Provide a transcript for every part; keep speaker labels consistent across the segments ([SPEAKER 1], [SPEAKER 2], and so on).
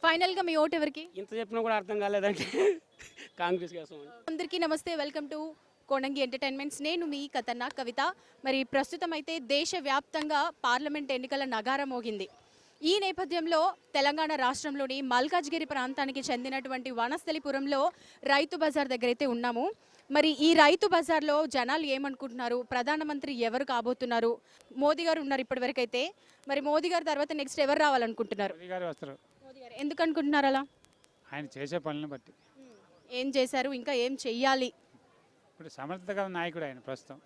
[SPEAKER 1] ఫైనల్‌గా మీ ఓటు ఎవరికి?
[SPEAKER 2] ఇంత చెప్పినా కూడా అర్థం కాలేదంటే కాంగ్రెస్ కోసం.
[SPEAKER 1] అందరికీ నమస్తే. Welcome to Konangi entertainments. నేను మీ ఖతర్నాక్ కవిత. మరి ప్రస్తుతం అయితే దేశవ్యాప్తంగా పార్లమెంట్ ఎన్నికల నగారా మోగింది. ఈ నేపథ్యంలో తెలంగాణ రాష్ట్రంలోని మల్కాజ్గిరి ప్రాంతానికి చెందినటువంటి వనస్థలిపురంలో రైతు బజార్ దగ్గర అయితే ఉన్నాము. మరి ఈ రైతు బజార్లో జనాలు ఏమనుకుంటున్నారు? ప్రధానమంత్రి ఎవరు కాబోతున్నారు? మోదీ గారు ఉన్నారు ఇప్పటివరకైతే. మరి మోదీ గారి తర్వాత నెక్స్ట్ ఎవరు రావాలనుకుంటున్నారు?
[SPEAKER 3] మోదీ గారు వస్తారు.
[SPEAKER 1] మోదీ గారు. ఎందుకు అనుకుంటున్నారు అలా?
[SPEAKER 3] ఆయన చేసే పనులను బట్టి.
[SPEAKER 1] ఏం చేశారు? ఇంకా ఏం చెయ్యాలి?
[SPEAKER 3] ఇప్పుడు సమర్థత నాయకుడు ఆయన ప్రస్తుతం.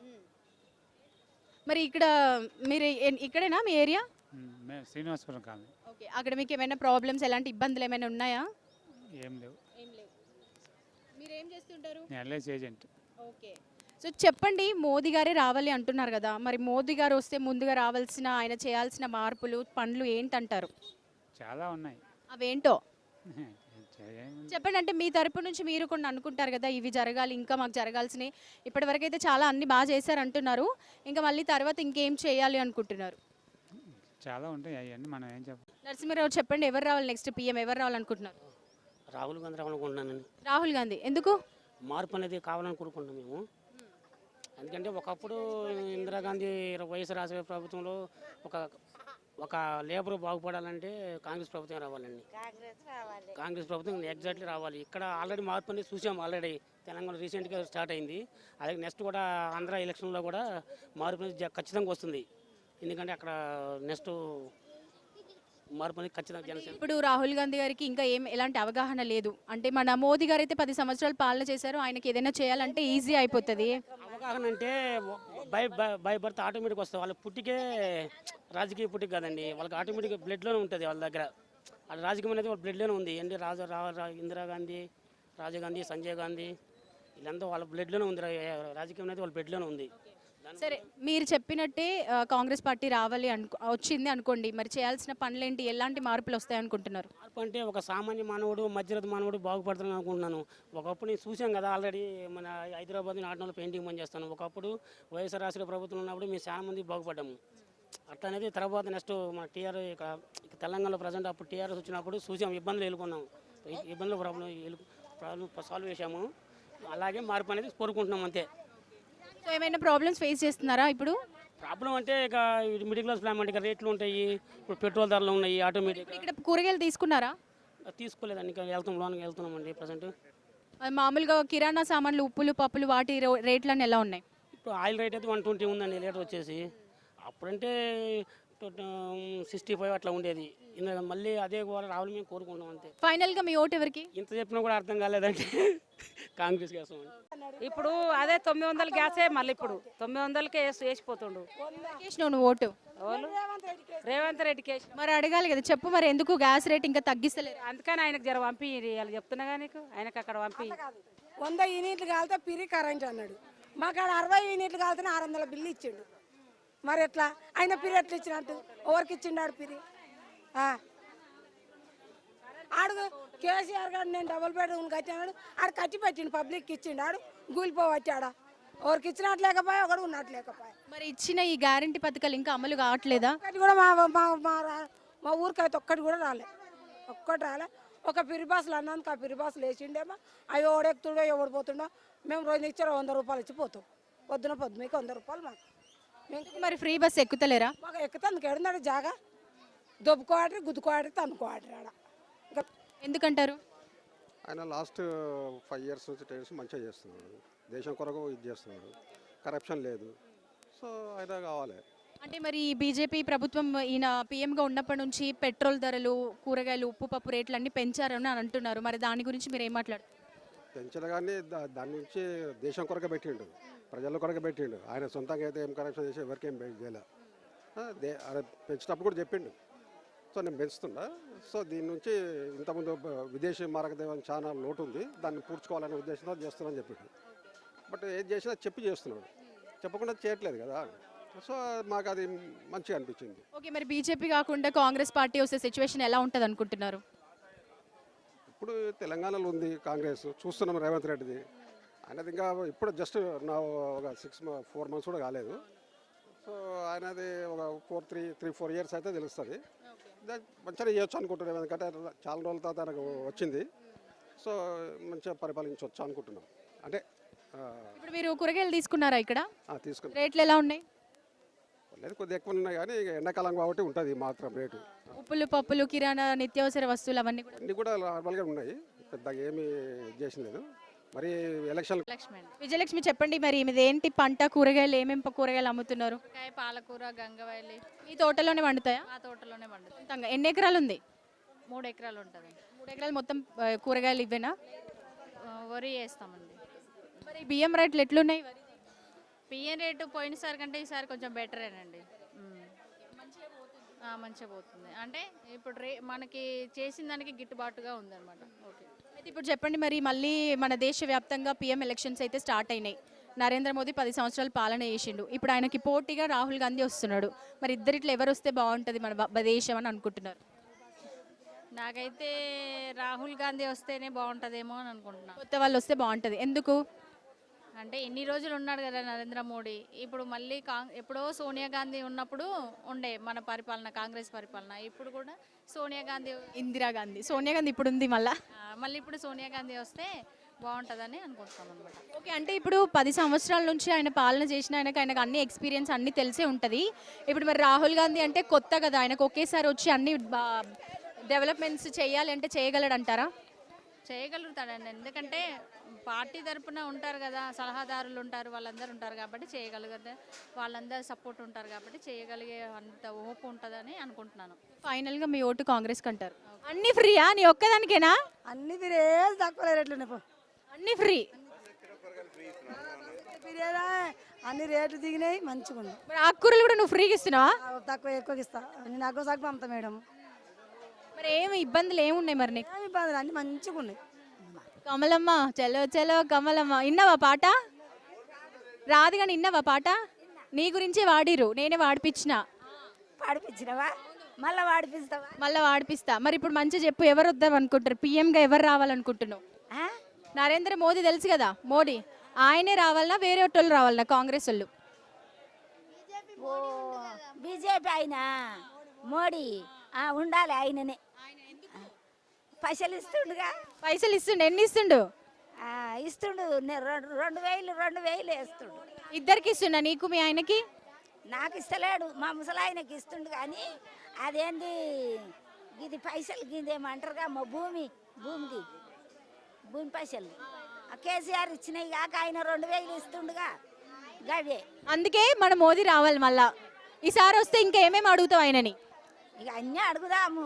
[SPEAKER 1] మరి ఇక్కడ మీరు ఇక్కడేనా మీ ఏరియా?
[SPEAKER 3] మేము శ్రీనివాసపురం కాలనీ.
[SPEAKER 1] ఓకే. అక్కడ మీకు ఏమైనా ప్రాబ్లమ్స్, ఎలాంటి ఇబ్బందులు ఏమైనా ఉన్నాయా?
[SPEAKER 3] ఏం లేవు.
[SPEAKER 1] ఏం లేవు. మీరు ఏం చేస్తుంటారు?
[SPEAKER 3] నేను ఎల్ఐసి ఏజెంట్.
[SPEAKER 1] ఓకే. సో చెప్పండి, మోదీ గారే రావాలి అంటున్నారు కదా, మరి మోదీ గారు వస్తే ముందుగా రావాల్సిన, ఆయన చేయాల్సిన మార్పులు, పనులు ఏంటంటారు?
[SPEAKER 3] చాలా ఉన్నాయి.
[SPEAKER 1] అవేంటో
[SPEAKER 3] ఏముంది?
[SPEAKER 1] చెప్పండి. అంటే మీ తరపు నుంచి మీరు కొన్ని అనుకుంటారు కదా, ఇవి జరగాలి, ఇంకా మాకు జరగాల్సినవి, ఇప్పటివరకు అయితే చాలా అన్ని బాగా చేశారు అంటున్నారు, ఇంకా మళ్ళీ తర్వాత ఇంకేం చేయాలి అనుకుంటున్నారు?
[SPEAKER 3] చాలా ఉంటాయి అవన్నీ మనం ఏం చెప్పాలి.
[SPEAKER 1] నరసింహారావు చెప్పండి, ఎవరు రావాలి నెక్స్ట్ పీఎం, ఎవరు రావాలనుకుంటున్నారు?
[SPEAKER 2] రాహుల్ గాంధీ రావాలనుకుంటున్నాను.
[SPEAKER 1] రాహుల్ గాంధీ. ఎందుకు?
[SPEAKER 2] మార్పు అనేది కావాలని కోరుకుంటున్నాం మేము. ఎందుకంటే ఒకప్పుడు ఇందిరాగాంధీ వైఎస్ రాజశేఖర ప్రభుత్వంలో ఒక ఒక లేబర్ బాగుపడాలంటే కాంగ్రెస్ ప్రభుత్వం రావాలండి. కాంగ్రెస్ ప్రభుత్వం ఎగ్జాక్ట్లీ రావాలి. ఇక్కడ ఆల్రెడీ మార్పు అనేది చూసాం. ఆల్రెడీ తెలంగాణ రీసెంట్గా స్టార్ట్ అయింది. అలాగే నెక్స్ట్ కూడా ఆంధ్ర ఎలక్షన్లో కూడా మార్పు అనేది ఖచ్చితంగా వస్తుంది. ఎందుకంటే అక్కడ నెక్స్ట్ మార్పు అనేది ఖచ్చితంగా జనసేన.
[SPEAKER 1] ఇప్పుడు రాహుల్ గాంధీ గారికి ఇంకా ఎలాంటి అవగాహన లేదు అంటే, మన మోదీ గారు అయితే 10 సంవత్సరాలు పాలన చేశారు, ఆయనకి ఏదైనా చేయాలంటే ఈజీ అయిపోతుంది.
[SPEAKER 2] అవగాహన అంటే బై బర్త్ ఆటోమేటిక్ వస్తుంది. వాళ్ళ పుట్టికే రాజకీయ పుట్టిక కదండి, వాళ్ళకి ఆటోమేటిక్ బ్లడ్లోనే ఉంటుంది. వాళ్ళ దగ్గర వాళ్ళ రాజకీయం అనేది వాళ్ళ బ్లడ్లోనే ఉంది. అంటే ఇందిరాగాంధీ, రాజీవ్ గాంధీ, సంజయ్ గాంధీ వీళ్ళంతా వాళ్ళ బ్లడ్లోనే ఉంది. రాజకీయం అనేది వాళ్ళ బ్లడ్లోనే ఉంది.
[SPEAKER 1] సరే, మీరు చెప్పినట్టే కాంగ్రెస్ పార్టీ రావాలి వచ్చింది అనుకోండి, మరి చేయాల్సిన పనులేంటి, ఎలాంటి మార్పులు వస్తాయి అనుకుంటున్నారు?
[SPEAKER 2] మార్పు అంటే ఒక సామాన్య మానవుడు, మధ్యరథ మానవుడు బాగుపడుతున్నాను అనుకుంటున్నాను. ఒకప్పుడు నేను చూసాం కదా, ఆల్రెడీ మన హైదరాబాద్ నాటంలో పెయింటింగ్ పని చేస్తాను. ఒకప్పుడు వైఎస్ఆర్ రాష్ట్ర ప్రభుత్వం ఉన్నప్పుడు మేము చాలా మంది బాగుపడ్డాము. అట్లా అనేది తర్వాత నెక్స్ట్ మన టీఆర్ ఇక్కడ తెలంగాణలో ప్రజెంట్ అప్పుడు టీఆర్ఎస్ వచ్చినప్పుడు చూసాము, ఇబ్బందులు ఎదుర్కొన్నాము. ఇబ్బందులు ప్రాబ్లం సాల్వ్ చేసాము. అలాగే మార్పు అనేది కోరుకుంటున్నాం అంతే.
[SPEAKER 1] సో ఏమైనా ప్రాబ్లమ్స్ ఫేస్ చేస్తున్నారా ఇప్పుడు?
[SPEAKER 2] ప్రాబ్లం అంటే ఇక మిడిల్ క్లాస్ ఫ్యామిలీ ఇక రేట్లు ఉంటాయి. ఇప్పుడు పెట్రోల్ ధరలు ఉన్నాయి ఆటోమేటిక్గా.
[SPEAKER 1] ఇక్కడ కూరగాయలు తీసుకున్నారా?
[SPEAKER 2] తీసుకోలేదండి, ఇంకా లోనికి వెళ్తున్నామండి ప్రజెంట్.
[SPEAKER 1] మామూలుగా కిరాణా సామాన్లు, ఉప్పులు, పప్పులు, వాటి రేట్లన్నీ ఎలా ఉన్నాయి?
[SPEAKER 2] ఇప్పుడు ఆయిల్ రేట్ అయితే 120 ఉందండి లీటర్ వచ్చేసి. అప్పుడంటే 65 అట్లా ఉండేది. మళ్ళీ అదే కూడా రావాలి మేము కోరుకుంటాం అంతే.
[SPEAKER 1] ఫైనల్గా మీ ఓటు ఎవరికి?
[SPEAKER 2] ఇంత చెప్పినా కూడా అర్థం కాలేదంటే కాంగ్రెస్ కోసం.
[SPEAKER 4] ఇప్పుడు అదే 900 గ్యాసే, మళ్ళీ ఇప్పుడు 900కే వేసిపోతుండు.
[SPEAKER 1] నువ్వు ఓటు
[SPEAKER 4] రేవంత్ రెడ్డి కేసు.
[SPEAKER 1] మరి అడగాలి కదా, చెప్పు మరి ఎందుకు గ్యాస్ రేట్ ఇంకా తగ్గిస్తలేదు?
[SPEAKER 4] అందుకని ఆయనకు జర పంపి చెప్తున్నా కానీ నీకు, ఆయనకు అక్కడ పంపి.
[SPEAKER 5] 100 యూనిట్లు కాలితే పిరి కరెంట్ అన్నాడు. మాకు ఆడ 60 యూనిట్లు కాలితే 600 బిల్లు ఇచ్చిండు. మరి ఎట్లా ఆయన పిరి ఎట్లా ఇచ్చినట్టు? ఎవరికి ఇచ్చిండు ఆడు పిరి? ఆడు కేసీఆర్ గారు నేను డబుల్ బెడ్రూమ్ కట్టినాడు, ఆడు కట్టి పెట్టిండు, పబ్లిక్కి ఇచ్చిండు, ఆడు గూలిపోవచ్చాడా? ఎవరికి ఇచ్చినట్టు లేకపోయా, ఒకడు ఉన్నట్టు లేకపోయా.
[SPEAKER 1] మరి ఇచ్చిన ఈ గ్యారంటీ పథకాలు ఇంకా అమలు కావట్లేదా?
[SPEAKER 5] ఒక్కటి కూడా మా ఊరికైతే ఒక్కటి కూడా ఒక్కటి రాలే. ఒక పిరిబాసులు అన్నందుకు ఆ పిరిబాసులు వేసిండేమో, అవి ఎవడెక్కుతుండో ఎవడిపోతుండో. మేము రోజు ఇచ్చారో 100 రూపాయలు ఇచ్చి పోతాం. పొద్దున మీకు 100 రూపాయలు మాకు.
[SPEAKER 1] మరి ఫ్రీ బస్ ఎక్కుతలేరా?
[SPEAKER 5] మాకు ఎక్కుతాను ఎడున్నాడు జాగా, దొబ్బుకోవాడి, గుద్దుకోవాడి, తన్నుకోవాడి ఆడ.
[SPEAKER 1] ఎందుకంటారు?
[SPEAKER 6] ఆయన లాస్ట్ 5 ఇయర్స్ నుంచి 10 ఇయర్స్ మంచిగా చేస్తున్నాడు. దేశం కొరకు ఇది చేస్తున్నాడు. కరప్షన్ లేదు. సో ఆయన కావాలి.
[SPEAKER 1] అంటే మరి బీజేపీ ప్రభుత్వం ఈయన పీఎంగా ఉన్నప్పటి నుంచి పెట్రోల్ ధరలు, కూరగాయలు, ఉప్పు, పప్పు రేట్లు అన్నీ పెంచారని అంటున్నారు. మరి దాని గురించి మీరు ఏం మాట్లాడుతున్నారు?
[SPEAKER 6] పెంచిన కానీ దాని నుంచి దేశం కొరకు పెట్టిండు, ప్రజల కొరకు పెట్టిండు. ఆయన సొంతంగా అయితే ఏం కరప్షన్ చేసి ఎవరికి ఏం చేయలే. పెంచినప్పుడు కూడా చెప్పిండు. సో నేను పెంచుతున్నా. సో దీని నుంచి ఇంతకుముందు విదేశీ మార్గదేవం చాలా లోటు ఉంది, దాన్ని పూడ్చుకోవాలనే ఉద్దేశంతో చేస్తున్నాను చెప్పిండు. బట్ ఏది చేసినా చేస్తున్నాడు, చెప్పకుండా చేయట్లేదు కదా. సో మాకు అది మంచిగా అనిపించింది.
[SPEAKER 1] ఓకే, మరి బీజేపీ కాకుండా కాంగ్రెస్ పార్టీ వస్తే సిచ్యువేషన్ ఎలా ఉంటుంది అనుకుంటున్నారు?
[SPEAKER 6] ఇప్పుడు తెలంగాణలో ఉంది కాంగ్రెస్, చూస్తున్నాం రేవంత్ రెడ్డిది. ఆయనది ఇంకా ఇప్పుడు జస్ట్ నా ఒక 4 months కూడా కాలేదు. సో ఆయనది ఒక 3-4 years అయితే తెలుస్తుంది. మంచిగా చేయొచ్చు అనుకుంటున్నాం. ఎందుకంటే చాలా రోజుల తర్వాత నాకు వచ్చింది. సో మంచిగా పరిపాలించవచ్చు అనుకుంటున్నాం. అంటే
[SPEAKER 1] ఇప్పుడు మీరు కూరగాయలు తీసుకున్నారా ఇక్కడ?
[SPEAKER 6] తీసుకుని
[SPEAKER 1] రేట్లు ఎలా ఉన్నాయి?
[SPEAKER 6] లేదు కొద్దిగా ఎక్కువ ఉన్నాయి కానీ ఇక ఎండాకాలం కాబట్టి ఉంటుంది మాత్రం రేటు.
[SPEAKER 1] ఉప్పులు, పప్పులు, కిరాణా, నిత్యావసర వస్తువులు అవన్నీ కూడా.
[SPEAKER 6] అన్నీ కూడా నార్మల్గా ఉన్నాయి, పెద్దగా ఏమీ చేసిన లేదు. మరి ఎలక్షన్
[SPEAKER 1] విజయలక్ష్మి చెప్పండి, మరి మీది ఏంటి పంట? కూరగాయలు ఏమేమి కూరగాయలు అమ్ముతున్నారు?
[SPEAKER 7] వంకాయ, పాలకూర, గంగవాయలి
[SPEAKER 1] మీ తోటలోనే వండుతాయా?
[SPEAKER 7] ఆ తోటలోనే పండుతుంది.
[SPEAKER 1] సొంతంగా ఎన్ని ఎకరాలు ఉంది?
[SPEAKER 7] 3 ఎకరాలు ఉంటుంది.
[SPEAKER 1] 3 ఎకరాలు మొత్తం కూరగాయలు ఇవేనా?
[SPEAKER 7] వరి వేస్తామండి.
[SPEAKER 1] మరి బియ్యం రేట్లు ఎట్లున్నాయి?
[SPEAKER 7] బియ్యం రేటు పోయినసారి కంటే ఈసారి కొంచెం బెటరేనండి. మంచిగా పోతుంది. అంటే ఇప్పుడు మనకి చేసిన దానికి గిట్టుబాటుగా ఉందన్నమాట. ఓకే.
[SPEAKER 1] అయితే ఇప్పుడు చెప్పండి, మరి మళ్ళీ మన దేశవ్యాప్తంగా పిఎం ఎలక్షన్స్ అయితే స్టార్ట్ అయినాయి. నరేంద్ర మోదీ 10 సంవత్సరాలు పాలన చేసిండు. ఇప్పుడు ఆయనకి పోటీగా రాహుల్ గాంధీ వస్తున్నాడు. మరి ఇద్దరిట్లో ఎవరు వస్తే బాగుంటుంది మన దేశం అని అనుకుంటున్నారు?
[SPEAKER 7] నాకైతే రాహుల్ గాంధీ వస్తేనే బాగుంటుందేమో అని అనుకుంటున్నాను.
[SPEAKER 1] కొత్త వాళ్ళు వస్తే బాగుంటుంది. ఎందుకు?
[SPEAKER 7] అంటే ఇన్ని రోజులు ఉన్నాడు కదా నరేంద్ర మోడీ. ఇప్పుడు మళ్ళీ ఎప్పుడో సోనియా గాంధీ ఉన్నప్పుడు ఉండే మన పరిపాలన, కాంగ్రెస్ పరిపాలన. ఇప్పుడు కూడా సోనియా గాంధీ,
[SPEAKER 1] ఇందిరాగాంధీ, సోనియా గాంధీ ఇప్పుడు ఉంది మళ్ళా.
[SPEAKER 7] మళ్ళీ ఇప్పుడు సోనియా గాంధీ వస్తే బాగుంటుందని అనుకుంటున్నాం అనమాట.
[SPEAKER 1] ఓకే. అంటే ఇప్పుడు 10 సంవత్సరాల నుంచి ఆయన పాలన చేసిన ఆయనకు అన్ని ఎక్స్పీరియన్స్ అన్నీ తెలిసే ఉంటుంది. ఇప్పుడు మరి రాహుల్ గాంధీ అంటే కొత్త కదా, ఆయనకు ఒకేసారి వచ్చి అన్ని డెవలప్మెంట్స్ చేయాలి అంటే చేయగలడంటారా?
[SPEAKER 7] చేయగలుగుతాడండి. ఎందుకంటే పార్టీ తరపున ఉంటారు కదా, సలహాదారులు ఉంటారు, వాళ్ళందరూ ఉంటారు కాబట్టి చేయగలుగుతారు. వాళ్ళందరూ సపోర్ట్ ఉంటారు కాబట్టి చేయగలిగే అంత ఓపు ఉంటుందని అనుకుంటున్నాను.
[SPEAKER 1] ఫైనల్గా మీ ఓటు కాంగ్రెస్కి అంటారు. అన్ని ఫ్రీయా? నీ ఒక్కదానికేనా?
[SPEAKER 5] అన్ని బిరే తక్కువ రేట్లు
[SPEAKER 1] అన్ని ఫ్రీ?
[SPEAKER 5] బిర్యానీ అన్ని రేట్లు దిగినాయి, మంచిగా ఉంది.
[SPEAKER 1] మరి ఆకుకూరలు కూడా నువ్వు ఫ్రీగా ఇస్తున్నావా?
[SPEAKER 5] తక్కువ ఎక్కువ ఇస్తా, నేను అగ్గో సాగు పంపుతా మేడం.
[SPEAKER 1] మరి ఏమి ఇబ్బందులు ఏమున్నాయి మరి నీకు?
[SPEAKER 5] ఏమి ఇబ్బందులు అన్ని మంచిగా ఉన్నాయి.
[SPEAKER 1] కమలమ్మ చలో చలో కమలమ్మ, ఇన్నవా పాట? రాదు కానీ ఇన్నవా పాట? నీ గురించే వాడిరు, నేనే వాడిపించిన.
[SPEAKER 5] పాడిపించినవా? మళ్ళీ వాడిపిస్తావా?
[SPEAKER 1] మళ్ళీ వాడిపిస్తా. మరి ఇప్పుడు మంచిగా చెప్పు, ఎవరు వద్దాం అనుకుంటారు? పిఎంగా ఎవరు రావాలనుకుంటున్నావు? నరేంద్ర మోదీ తెలుసు కదా, మోడీ ఆయనే రావాలన్నా వేరే వాళ్ళు రావాలన్నా? కాంగ్రెస్ వాళ్ళు.
[SPEAKER 8] బీజేపీ ఆయన మోడీ ఉండాలి, ఆయననే. పైసలు ఇస్తుండుగా.
[SPEAKER 1] పైసలు ఇస్తుండు. ఎన్ని ఇస్తుండు?
[SPEAKER 8] ఇస్తుండు 2,000 వేస్తుండు.
[SPEAKER 1] ఇద్దరికి ఇస్తుండా? నీకు మీ ఆయనకి?
[SPEAKER 8] నాకు ఇస్తలేడు, మా ముసలాయనకి ఇస్తుండు. కానీ అదేంది ఇది పైసలు గిదేమంటారుగా, మా భూమిది భూమి పైసలు కేసీఆర్ ఇచ్చినాయి కాక ఆయన 2,000 ఇస్తుండుగా, గవే.
[SPEAKER 1] అందుకే మన మోదీ రావాలి మళ్ళా. ఈసారి వస్తే ఇంకా ఏమేమి అడుగుతావు ఆయనని?
[SPEAKER 8] ఇక అన్నీ అడుగుదాము.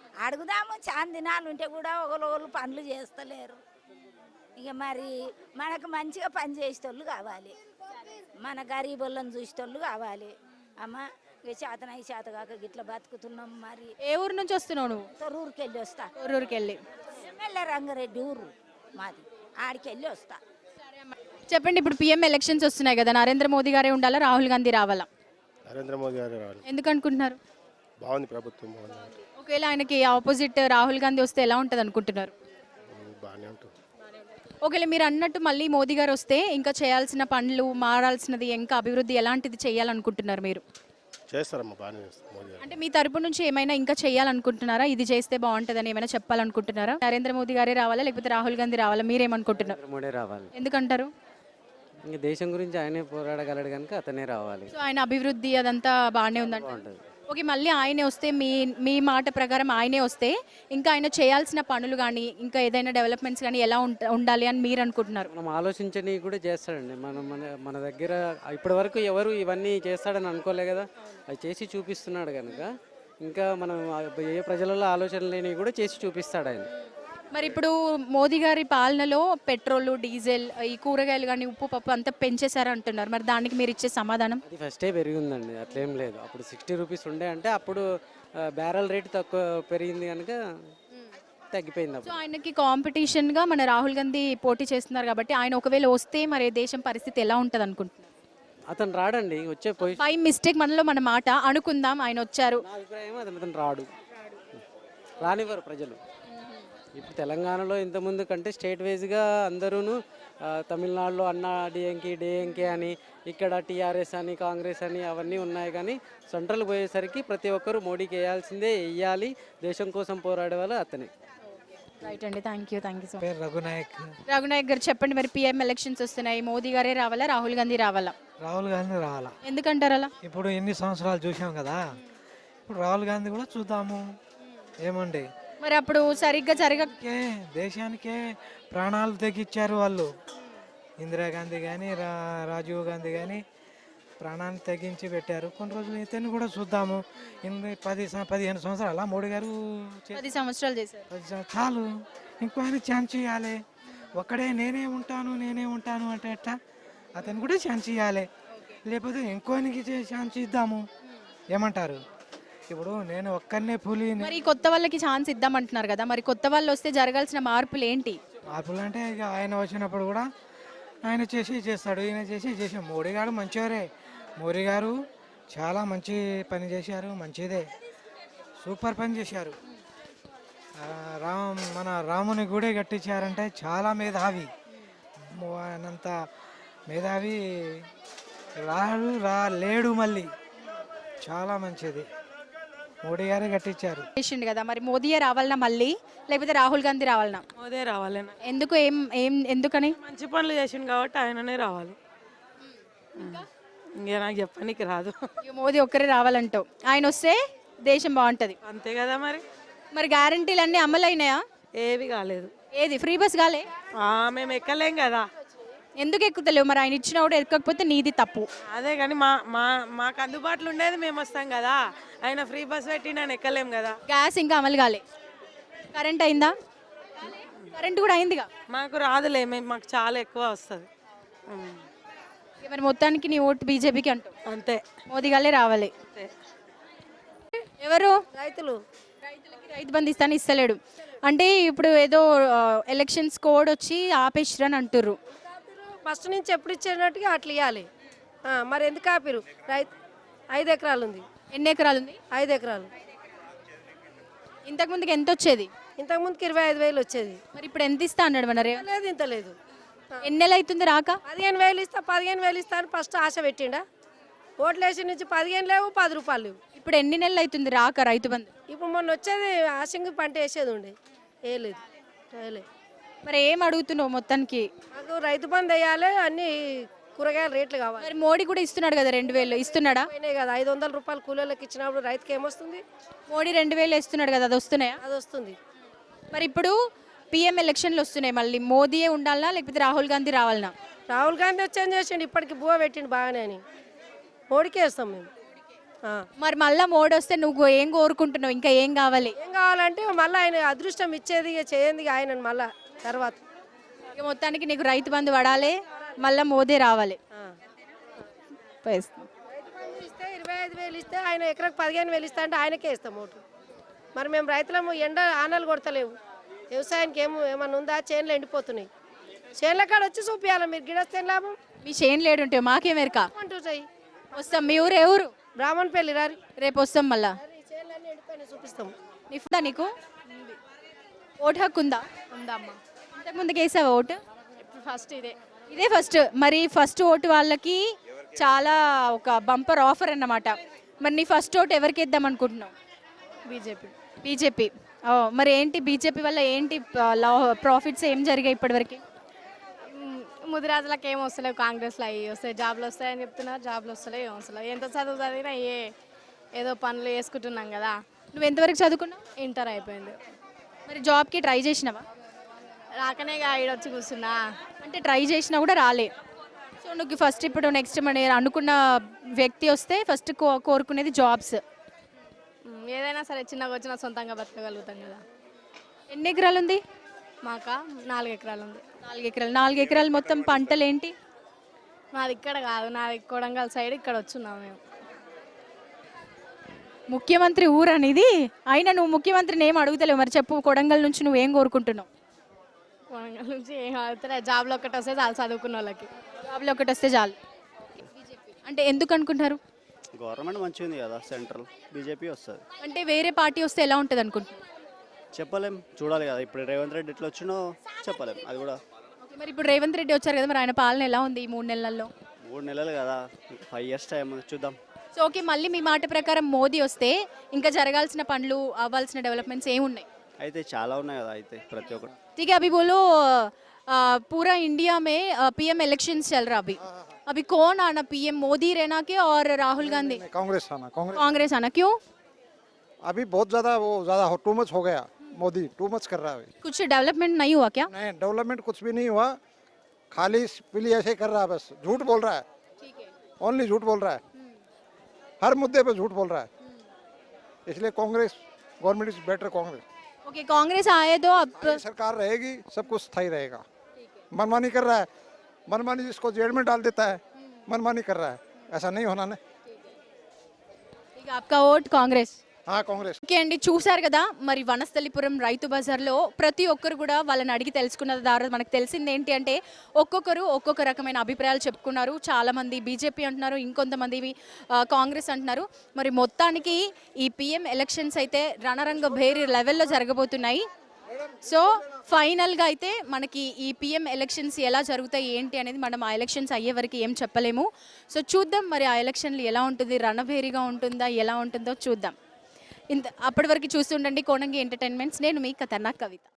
[SPEAKER 8] చాలా దినాలు ఉంటే కూడా ఒకళ్ళు పనులు చేస్తలేరు. ఇక మరి మనకు మంచిగా పని చేసేటోళ్ళు కావాలి, మన గరీబులను చూసేటోళ్ళు కావాలి. అమ్మ ఇక చేతనై చేత కాక గిట్లా బతుకుతున్నాం. మరి
[SPEAKER 1] ఏ ఊరు నుంచి వస్తున్నావు నువ్వు?
[SPEAKER 8] తొర్రూరుకి వెళ్ళి వస్తా.
[SPEAKER 1] ఊరూరికి వెళ్ళి.
[SPEAKER 8] ఎమ్మెల్యే రంగారెడ్డి ఊరు మాది, ఆడికి వెళ్ళి వస్తా.
[SPEAKER 1] చెప్పండి, ఇప్పుడు పిఎం ఎలక్షన్స్ వస్తున్నాయి కదా, నరేంద్ర మోదీ గారే ఉండాలా, రాహుల్ గాంధీ రావాలా?
[SPEAKER 9] నరేంద్ర మోదీ గారు రావాలి.
[SPEAKER 1] ఎందుకు అనుకుంటున్నారు?
[SPEAKER 9] బాగుంది ప్రభుత్వం, బాగుంది.
[SPEAKER 1] ఒకవేళ ఆయనకి ఆపోజిట్ రాహుల్ గాంధీ వస్తే ఎలా ఉంటుంది అనుకుంటున్నారు?
[SPEAKER 9] బాగానే ఉంటుంది.
[SPEAKER 1] ఒకవేళ మీరు అన్నట్టు మళ్ళీ మోదీ గారు వస్తే ఇంకా చేయాల్సిన పనులు, మారాల్సినది, ఇంకా అభివృద్ధి ఎలాంటిది చేయాలనుకుంటున్నారు మీరు?
[SPEAKER 9] చేస్తారమ్మా, బాగానే చేస్తారు మోదీ గారు.
[SPEAKER 1] అంటే మీ తరపు నుంచి ఏమైనా ఇంకా చేయాలనుకుంటున్నారా? ఇది చేస్తే బాగుంటుందని ఏమైనా చెప్పాలనుకుంటున్నారా? నరేంద్ర మోదీ గారే రావాలా లేకపోతే రాహుల్ గాంధీ రావాలా? మీరేమనుకుంటున్నారు?
[SPEAKER 10] మోడీ రావాలి.
[SPEAKER 1] ఎందుకంటారు?
[SPEAKER 10] ఇంకా దేశం గురించి ఆయనే పోరాడగలడు కనుక అతనే రావాలి.
[SPEAKER 1] సో ఆయన అభివృద్ధి అదంతా బాగానే ఉందంట.
[SPEAKER 10] బాగుంటుంది.
[SPEAKER 1] ఓకే, మళ్ళీ ఆయనే వస్తే మీ మాట ప్రకారం ఆయనే వస్తే ఇంకా ఆయన చేయాల్సిన పనులు కానీ ఇంకా ఏదైనా డెవలప్మెంట్స్ కానీ ఎలా ఉండాలి అని మీరు అనుకుంటున్నారు?
[SPEAKER 10] మనం ఆలోచించని కూడా చేస్తాడండి. మన దగ్గర ఇప్పటి వరకు ఎవరు ఇవన్నీ చేస్తాడని అనుకోలే కదా, అది చేసి చూపిస్తున్నాడు కనుక ఇంకా మనం ఏ ప్రజలలో ఆలోచన లేని కూడా చేసి చూపిస్తాడు ఆయన.
[SPEAKER 1] మరి ఇప్పుడు మోదీ గారి పాలనలో పెట్రోల్, డీజిల్, ఈ కూరగాయలు కానీ ఉప్పు, పప్పు అంతా పెంచేశారు అంటున్నారు. మరి దానికి మీరు ఇచ్చే సమాధానం?
[SPEAKER 10] అది ఫస్టే పెరిగిందండి, అట్లేం లేదు. అప్పుడు 60 రూపీస్ ఉండే, అంటే అప్పుడు బ్యారల్ రేట్ తక్కువ పెరిగింది కనుక తగ్గిపోయింది.
[SPEAKER 1] సో ఆయనకి కాంపిటీషన్గా మన రాహుల్ గాంధీ పోటీ చేస్తున్నారు కాబట్టి ఆయన ఒకవేళ వస్తే మరి దేశం పరిస్థితి ఎలా ఉంటుంది అనుకుంటున్నారు?
[SPEAKER 10] అతను రాడండి, వచ్చే పోయి
[SPEAKER 1] బై మిస్టేక్ మనలో మన మాట అనుకుందాం, ఆయన వచ్చారు.
[SPEAKER 10] నా అభిప్రాయం అతను రాడు, రానివ్వరు ప్రజలు. ఇప్పుడు తెలంగాణలో ఇంతకుముందు కంటే స్టేట్ వైజ్గా అందరూ తమిళనాడులో అన్నా డిఎంకే అని, ఇక్కడ టీఆర్ఎస్ అని, కాంగ్రెస్ అని అవన్నీ ఉన్నాయి. కానీ సెంట్రల్ పోయేసరికి ప్రతి ఒక్కరు మోడీకి వేయాల్సిందే, వేయాలి. దేశం కోసం పోరాడే వాళ్ళు అతనే.
[SPEAKER 1] రైట్ అండి, థ్యాంక్ యూ సో
[SPEAKER 11] పేరు రఘునాయక్.
[SPEAKER 1] రఘునాయక్ గారు చెప్పండి, మరి పిఎం ఎలక్షన్స్ వస్తున్నాయి, మోదీ గారే రావాలా రాహుల్ గాంధీ రావాలా?
[SPEAKER 11] రాహుల్ గాంధీ రావాలా?
[SPEAKER 1] ఎందుకంటారు అలా?
[SPEAKER 11] ఇప్పుడు ఎన్ని సంవత్సరాలు చూసాం కదా, ఇప్పుడు రాహుల్ గాంధీ కూడా చూద్దాము. ఏమండి,
[SPEAKER 1] మరి అప్పుడు సరిగ్గా
[SPEAKER 11] దేశానికే ప్రాణాలు తెగించారు వాళ్ళు. ఇందిరాగాంధీ కానీ రాజీవ్ గాంధీ కానీ ప్రాణాలు తెగించి పెట్టారు. కొన్ని రోజులు ఇతన్ని కూడా చూద్దాము. 15 సంవత్సరాల మోడీ గారు
[SPEAKER 1] 10 సంవత్సరాలు చేశారు.
[SPEAKER 11] 10 సంవత్సరాలు చాలు. ఇంకో ఆయన ఛాన్స్ ఇవ్వాలి. ఒక్కడే నేనే ఉంటాను అంటే ఎట్లా? అతను కూడా ఛాన్స్ ఇవ్వాలి. లేకపోతే ఇంకోనికి ఛాన్స్ ఇద్దాము. ఏమంటారు? ఇప్పుడు నేను ఒక్కనే పులి.
[SPEAKER 1] మరి కొత్త వాళ్ళకి ఛాన్స్ ఇద్దామంటున్నారు కదా, మరి కొత్త వాళ్ళు వస్తే జరగాల్సిన మార్పులు ఏంటి?
[SPEAKER 11] మార్పులు అంటే ఇక ఆయన వచ్చినప్పుడు కూడా ఆయన చేస్తాడు, ఈయన చేసి మోడీ గారు మంచివారే. మోడీ గారు చాలా మంచి పని చేశారు, మంచిదే, సూపర్ పని చేశారు. మన రాముని గుడి కట్టించారంటే చాలా మేధావి. ఆయనంత మేధావి లేడు మళ్ళీ. చాలా మంచిది, మోడీ గారే కట్టించారు.
[SPEAKER 1] చేసిండు కదా, మరి మోదీయే రావాలన్నా మళ్ళీ, లేకపోతే రాహుల్ గాంధీ రావాలన్నా?
[SPEAKER 4] మోదే రావాలన్నా.
[SPEAKER 1] ఎందుకు? ఎందుకని?
[SPEAKER 4] మంచి పనులు చేసిండు కాబట్టి ఆయననే రావాలి. ఇంకా నాకు చెప్పనీకి రాదు.
[SPEAKER 1] ఇక మోదీ ఒక్కరే రావాలంటావు. ఆయన వస్తే దేశం బాగుంటుంది
[SPEAKER 4] అంతే కదా మరి.
[SPEAKER 1] మరి గ్యారంటీలు అన్నీ అమలు అయినాయా?
[SPEAKER 4] ఏవి కాలేదు.
[SPEAKER 1] ఏది ఫ్రీ బస్ కాలే?
[SPEAKER 4] మేము ఎక్కలేం కదా.
[SPEAKER 1] ఎందుకు ఎక్కుతలేవు? మరి ఆయన ఇచ్చినా కూడా ఎక్కకపోతే నీది తప్పు.
[SPEAKER 4] అదే కానీ మాకు అందుబాటులో ఉండేది మేము వస్తాం కదా. ఆయన ఫ్రీ బస్ పెట్టి నేను ఎక్కలేం కదా.
[SPEAKER 1] గ్యాస్ ఇంకా అమలు కాలే. కరెంట్ అయిందా? కరెంట్ కూడా అయిందిగా.
[SPEAKER 4] మాకు రాదులే, మాకు చాలా ఎక్కువ వస్తుంది.
[SPEAKER 1] మరి మొత్తానికి నీ ఓటు బీజేపీకి అంటావు?
[SPEAKER 4] అంతే,
[SPEAKER 1] మోదీ గారే రావాలి. ఎవరు?
[SPEAKER 5] రైతులు.
[SPEAKER 1] రైతులకి రైతు బంధు ఇస్తలేడు అంటే ఇప్పుడు ఏదో ఎలక్షన్స్ కోడ్ వచ్చి ఆపేసిరు అని అంటుర్రు.
[SPEAKER 5] ఫస్ట్ నుంచి ఎప్పుడు ఇచ్చేటట్టుగా అట్లా ఇవ్వాలి. మరి ఎందుకు ఆపిరు? 5 ఎకరాలు ఉంది.
[SPEAKER 1] ఎన్ని ఎకరాలు ఉంది?
[SPEAKER 5] 5 ఎకరాలు.
[SPEAKER 1] ఇంతకుముందుకు ఎంత వచ్చేది?
[SPEAKER 5] ఇంతకుముందుకు 25,000 వచ్చేది.
[SPEAKER 1] మరి ఇప్పుడు ఎంత ఇస్తా అన్నాడు మన రేవంత్?
[SPEAKER 5] లేదు, ఇంత లేదు.
[SPEAKER 1] ఎన్ని నెలలు అవుతుంది రాక?
[SPEAKER 5] 15,000 ఇస్తా 15,000 ఇస్తా అని ఫస్ట్ ఆశ పెట్టిండా. ఓట్లు వేసి నుంచి 15 లేవు, 10 రూపాయలు లేవు.
[SPEAKER 1] ఇప్పుడు ఎన్ని నెలలు అవుతుంది రాక రైతు బంధు?
[SPEAKER 5] ఇప్పుడు మొన్న వచ్చేది ఆశంగి పంట వేసేది ఉండే, వేయలేదు.
[SPEAKER 1] మరి ఏం అడుగుతున్నావు మొత్తానికి?
[SPEAKER 5] నాకు రైతు బంధు వేయాలి, అన్ని కూరగాయల రేట్లు కావాలి.
[SPEAKER 1] మరి మోడీ కూడా ఇస్తున్నాడు కదా, 2,000 ఇస్తున్నాడా?
[SPEAKER 5] పోయినాయి కదా, 500 రూపాయలు కూలీలకు ఇచ్చినప్పుడు రైతుకి ఏమొస్తుంది?
[SPEAKER 1] మోడీ 2,000 ఇస్తున్నాడు కదా, అది వస్తున్నాయా?
[SPEAKER 5] అది వస్తుంది.
[SPEAKER 1] మరి ఇప్పుడు పిఎం ఎలక్షన్లు వస్తున్నాయి, మళ్ళీ మోదీయే ఉండాలనా లేకపోతే రాహుల్ గాంధీ రావాలనా?
[SPEAKER 5] రాహుల్ గాంధీ వచ్చేది చేసిండు, ఇప్పటికి బువ పెట్టిండు బాగానే అని. మోడీకే వేస్తాం మేము.
[SPEAKER 1] మరి మళ్ళీ మోడీ వస్తే నువ్వు ఏం కోరుకుంటున్నావు? ఇంకా ఏం కావాలి?
[SPEAKER 5] ఏం కావాలంటే మళ్ళీ ఆయన అదృష్టం ఇచ్చేది ఇక చేయండి ఆయన మళ్ళా తర్వాత.
[SPEAKER 1] ఇక మొత్తానికి నీకు రైతు బంధు పడాలి, మళ్ళీ మోదీ రావాలి.
[SPEAKER 5] ఇస్తే 25,000 ఇస్తే ఆయన ఎకరకు 15,000 ఇస్తా అంటే ఆయనకే ఇస్తాం ఓటు. మరి మేము రైతులము ఎండ ఆనలు కొడతలేవు. వ్యవసాయానికి ఏమన్నా ఉందా? చేనులు ఎండిపోతున్నాయి. చేనుల కాడ వచ్చి చూపించాలి మీరు. గిడస్తే లాభం.
[SPEAKER 1] మీ చేనులు ఏడుంటే మాకేం ఎరక?
[SPEAKER 5] అంటుంటాయి.
[SPEAKER 1] వస్తాం. మీ ఊరు ఏ ఊరు?
[SPEAKER 5] బ్రాహ్మణపల్లి. రారి
[SPEAKER 1] రేపు వస్తాం మళ్ళా.
[SPEAKER 5] చేనులన్నీ ఎండిపోయినాయి, చూపిస్తాం.
[SPEAKER 1] నీకుందా? నీకు ఓటు హక్కు ఉందా?
[SPEAKER 7] ఉందమ్మా.
[SPEAKER 1] ఇంతకుముందుకు వేసావా ఓటు?
[SPEAKER 7] ఫస్ట్
[SPEAKER 1] ఇదే ఫస్ట్. మరి ఫస్ట్ ఓటు వాళ్ళకి చాలా ఒక బంపర్ ఆఫర్ అన్నమాట. మరి నీ ఫస్ట్ ఓటు ఎవరికి వేద్దాం అనుకుంటున్నావు? బీజేపీ. మరి ఏంటి బీజేపీ వల్ల ఏంటి ప్రాఫిట్స్ ఏం జరిగాయి ఇప్పటివరకు?
[SPEAKER 7] ముదిరాజులకు ఏం వస్తలేవు, కాంగ్రెస్లో అవి వస్తాయి, జాబ్లు వస్తాయని చెప్తున్నారు. జాబ్లు వస్తలేవు, ఏం వస్తలేవు. ఎంత చదువు చదివినా ఏదో పనులు వేసుకుంటున్నాం కదా.
[SPEAKER 1] నువ్వు ఎంతవరకు చదువుకున్నావు?
[SPEAKER 7] ఇంటర్ అయిపోయింది.
[SPEAKER 1] మరి జాబ్కి ట్రై చేసినావా?
[SPEAKER 7] రాకనే ఈడొచ్చి కూర్చున్నా.
[SPEAKER 1] అంటే ట్రై చేసినా కూడా రాలే. సో నువ్వు ఫస్ట్ ఇప్పుడు నెక్స్ట్ మన అనుకున్న వ్యక్తి వస్తే ఫస్ట్ కోరుకునేది జాబ్స్.
[SPEAKER 7] ఏదైనా సరే చిన్నగా వచ్చినా సొంతంగా బతకగలుగుతాం కదా.
[SPEAKER 1] ఎన్ని ఎకరాలు ఉంది?
[SPEAKER 7] మాకా 4 ఎకరాలు ఉంది.
[SPEAKER 1] 4 ఎకరాలు. 4 ఎకరాలు మొత్తం పంటలు ఏంటి?
[SPEAKER 7] మాది ఇక్కడ కాదు, నాది కొడంగల్ సైడ్. ఇక్కడ వచ్చున్నాం మేము.
[SPEAKER 1] ముఖ్యమంత్రి ఊరు అనేది. అయినా నువ్వు ముఖ్యమంత్రిని ఏం అడుగుతలేవు. మరి చెప్పు, కొడంగల్ నుంచి నువ్వేం కోరుకుంటున్నావు?
[SPEAKER 7] కొడంగల్ నుంచి ఏం అవుతారా? జాబ్లో ఒకటి వస్తే చాలు, చదువుకున్న వాళ్ళకి
[SPEAKER 1] జాబ్లో ఒకటి వస్తే చాలు. అంటే ఎందుకు అనుకుంటున్నారు?
[SPEAKER 12] గవర్నమెంట్ మంచిగా ఉంది కదా, సెంట్రల్ బీజేపీ వస్తుంది.
[SPEAKER 1] అంటే వేరే పార్టీ వస్తే ఎలా ఉంటుంది అనుకుంటున్నారు?
[SPEAKER 12] చెప్పలేం, చూడాలి కదా. ఇప్పుడు రేవంత్ రెడ్డి ఎట్లా వచ్చినో చెప్పలేం అది కూడా.
[SPEAKER 1] ఓకే, మరి ఇప్పుడు రేవంత్ రెడ్డి వచ్చారు కదా, మరి ఆయన పాలన ఎలా ఉంది ఈ 3 నెలల్లో?
[SPEAKER 12] 3 నెలలు కదా, 5 years టైం చూద్దాం.
[SPEAKER 1] సో ఓకే, మళ్ళీ మీ మాట ప్రకారం మోదీ వస్తే ఇంకా జరగాల్సిన పనులు, అవ్వాల్సిన డెవలప్మెంట్స్ ఏమున్నాయి?
[SPEAKER 12] అయితే చాలా ఉన్నాయి కదా, అయితే ప్రతి ఒక్కటి.
[SPEAKER 1] ठीक है, अभी बोलो पूरा इंडिया में पीएम इलेक्शंस चल रहा अभी कौन आना पीएम, मोदी रहना के और राहुल गांधी?
[SPEAKER 13] कांग्रेस आना,
[SPEAKER 1] कांग्रेस आना, क्यों?
[SPEAKER 13] अभी बहुत ज़्यादा टू मच हो गया, मोदी टू मच कर रहा है.
[SPEAKER 1] कुछ डेवलपमेंट नहीं हुआ क्या?
[SPEAKER 13] नहीं, डेवलपमेंट कुछ भी नहीं हुआ, खाली पीली ऐसे कर रहा है, बस झूठ बोल रहा है. ओनली झूठ बोल रहा है, हर मुद्दे पे झूठ बोल रहा है. इसलिए Congress government is better. Congress
[SPEAKER 1] okay, Congress आए तो अब
[SPEAKER 13] सरकार रहेगी, सब कुछ स्थायी रहेगा. मनमानी कर रहा है, मनमानी जिसको जेल में डाल देता है, मनमानी कर रहा है. ऐसा नहीं होना ना.
[SPEAKER 1] ठीक है, आपका वोट कांग्रेस?
[SPEAKER 13] हाँ, कांग्रेस.
[SPEAKER 1] ఓకే అండి, చూశారు కదా మరి వనస్థలిపురం రైతు బజార్లో ప్రతి ఒక్కరు కూడా వాళ్ళని అడిగి తెలుసుకున్న ద్వారా మనకు తెలిసింది ఏంటి అంటే ఒక్కొక్కరు ఒక్కొక్క రకమైన అభిప్రాయాలు చెప్పుకున్నారు. చాలామంది బీజేపీ అంటున్నారు, ఇంకొంతమంది కాంగ్రెస్ అంటున్నారు. మరి మొత్తానికి ఈ పిఎం ఎలక్షన్స్ అయితే రణరంగ భేరి లెవెల్లో జరగబోతున్నాయి. సో ఫైనల్గా అయితే మనకి ఈ పిఎం ఎలక్షన్స్ ఎలా జరుగుతాయి ఏంటి అనేది మనం ఆ ఎలక్షన్స్ అయ్యే వరకు ఏం చెప్పలేము. సో చూద్దాం మరి ఆ ఎలక్షన్లు ఎలా ఉంటుంది, రణభేరిగా ఉంటుందా, ఎలా ఉంటుందో చూద్దాం. అప్పటి వరకు చూస్తుండండి కోణంగి ఎంటర్టైన్మెంట్స్. నేను మీ ఖతర్నాక్ కవిత.